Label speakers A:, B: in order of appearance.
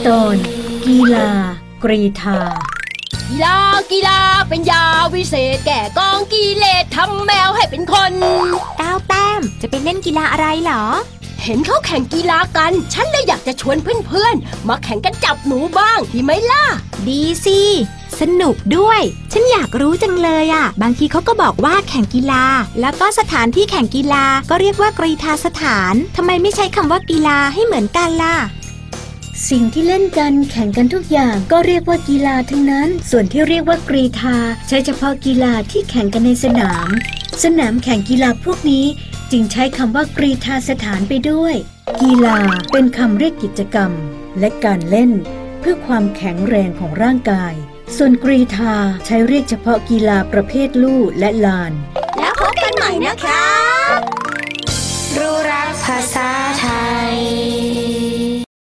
A: ตอนกีฬากรีธา
B: กีฬาเป็นยาวิเศษแก่กองกิเลสทำแมวให้เป็นคน
C: ก้าวแต้มจะไปเล่นกีฬาอะไรเหรอ
B: เห็นเขาแข่งกีฬากันฉันเลยอยากจะชวนเพื่อนๆมาแข่งกันจับหนูบ้างดีไหมล่ะ
C: ดีสิสนุกด้วยฉันอยากรู้จังเลยอ่ะบางทีเขาก็บอกว่าแข่งกีฬาแล้วก็สถานที่แข่งกีฬาก็เรียกว่ากรีฑาสถานทำไมไม่ใช้คำว่ากีฬาให้เหมือนกันล่ะ
A: สิ่งที่เล่นกันแข่งกันทุกอย่างก็เรียกว่ากีฬาทั้งนั้นส่วนที่เรียกว่ากรีฑาใช้เฉพาะกีฬาที่แข่งกันในสนามแข่งกีฬาพวกนี้จึงใช้คำว่ากรีฑาสถานไปด้วยกีฬาเป็นคำเรียกกิจกรรมและการเล่นเพื่อความแข็งแรงของร่างกายส่วนกรีฑาใช้เรียกเฉพาะกีฬาประเภทลู่และลาน
C: แล้วพบกันใหม่นะครับรู้รักภาษาไทย